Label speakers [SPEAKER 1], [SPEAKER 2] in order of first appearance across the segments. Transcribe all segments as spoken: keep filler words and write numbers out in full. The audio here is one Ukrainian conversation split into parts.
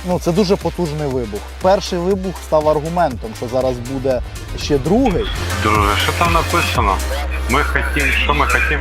[SPEAKER 1] Ну, це дуже потужний вибух. Перший вибух став аргументом, що зараз буде ще другий.
[SPEAKER 2] Друже, що там написано? Ми хотім, що ми хотім?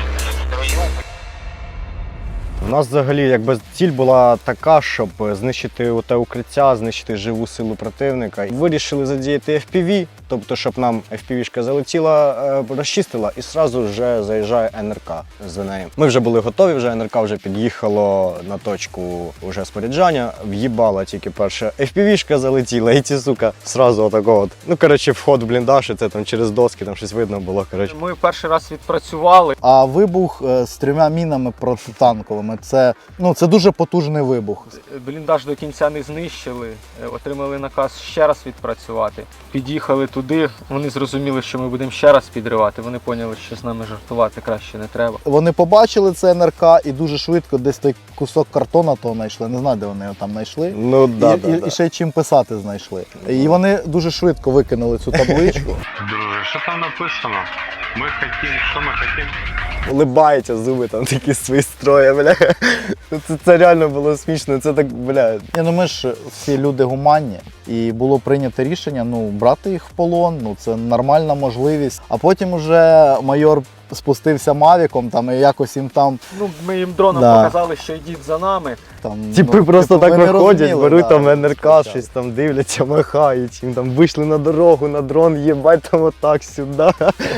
[SPEAKER 3] У нас взагалі якби ціль була така, щоб знищити те укриття, знищити живу силу противника. Вирішили задіяти еф пі ві, тобто щоб нам еф пі ві-шка залетіла, розчистила і одразу вже заїжджає ен ер ка за нею. Ми вже були готові, вже ен ер ка вже під'їхало на точку вже споряджання, в'їбала тільки перша еф пі ві-шка залетіла і ці, сука, одразу отако от. Ну, коротше, вход в бліндаж, і це там через доски, там щось видно було, коротше.
[SPEAKER 4] Ми перший раз відпрацювали.
[SPEAKER 1] А вибух е, з трьома мінами протитанковими, це, ну, це дуже потужний вибух.
[SPEAKER 4] Бліндаж до кінця не знищили, отримали наказ ще раз відпрацювати. Під'їхали туди, вони зрозуміли, що ми будемо ще раз підривати. Вони поняли, що з нами жартувати краще не треба.
[SPEAKER 1] Вони побачили це ен ер ка і дуже швидко десь той кусок картона того знайшли. Не знаю, де вони його там знайшли.
[SPEAKER 3] Ну, да,
[SPEAKER 1] і,
[SPEAKER 3] да,
[SPEAKER 1] і,
[SPEAKER 3] да.
[SPEAKER 1] і ще й чим писати знайшли. І вони дуже швидко викинули цю табличку.
[SPEAKER 2] Друже, що там написано? Ми хотім, що ми хотім?
[SPEAKER 3] Улибається, зуби там такі свої строї, бля. Це, це реально було смішно, це так, бля.
[SPEAKER 1] Ні, ну ми ж всі люди гуманні, і було прийнято рішення, ну, брати їх в полон, ну, це нормальна можливість. А потім уже майор спустився мавіком, там, і якось їм там...
[SPEAKER 4] Ну, ми їм дроном
[SPEAKER 1] Да.
[SPEAKER 4] показали, що йдіть за нами.
[SPEAKER 1] там
[SPEAKER 3] Типи
[SPEAKER 1] ну,
[SPEAKER 3] просто
[SPEAKER 1] типу,
[SPEAKER 3] так
[SPEAKER 1] ви не
[SPEAKER 3] виходять,
[SPEAKER 1] розуміли,
[SPEAKER 3] беруть
[SPEAKER 1] да,
[SPEAKER 3] там ен ер ка,
[SPEAKER 1] спочатку.
[SPEAKER 3] щось там дивляться, махають, їм там вийшли на дорогу, на дрон, їбать там отак сюди.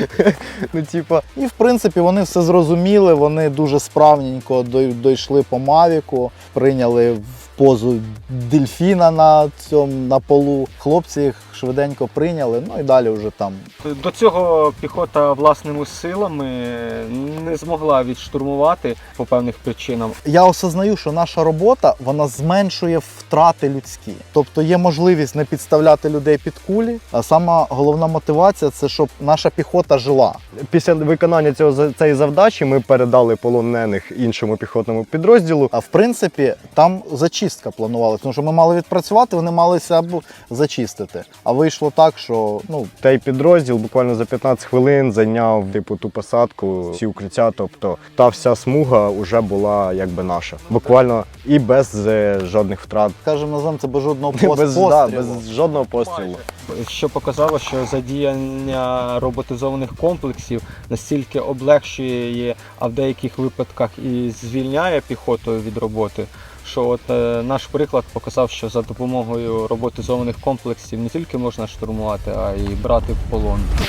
[SPEAKER 3] Ну, типа.
[SPEAKER 1] І в принципі вони все зрозуміли, вони дуже справненько дой- дійшли по мавіку, прийняли в позу дельфіна на цьому на полу. Хлопці їх швиденько прийняли, ну і далі вже там.
[SPEAKER 4] До цього піхота власними силами не змогла відштурмувати по певних причинам.
[SPEAKER 1] Я осознаю, що наша робота вона зменшує втрати людські. Тобто є можливість не підставляти людей під кулі, а сама головна мотивація це щоб наша піхота жила.
[SPEAKER 3] Після виконання цього цієї завдачі ми передали полонених іншому піхотному підрозділу.
[SPEAKER 1] А в принципі, там зачистка планувалася, тому що ми мали відпрацювати, вони малися або зачистити. А вийшло так, що ну
[SPEAKER 3] Той підрозділ буквально за п'ятнадцять хвилин зайняв типу ту посадку, всі укриття, тобто та вся смуга вже була якби наша. Буквально і без е, жодних втрат.
[SPEAKER 1] скажімо, називаємо це без жодного пост-
[SPEAKER 3] Без,
[SPEAKER 1] пострілу.
[SPEAKER 3] да, без жодного пострілу.
[SPEAKER 4] Що показало, що задіяння роботизованих комплексів настільки облегшує, а в деяких випадках і звільняє піхоту від роботи, що от е, наш приклад показав, що за допомогою роботизованих комплексів не тільки можна штурмувати, а й брати в полон.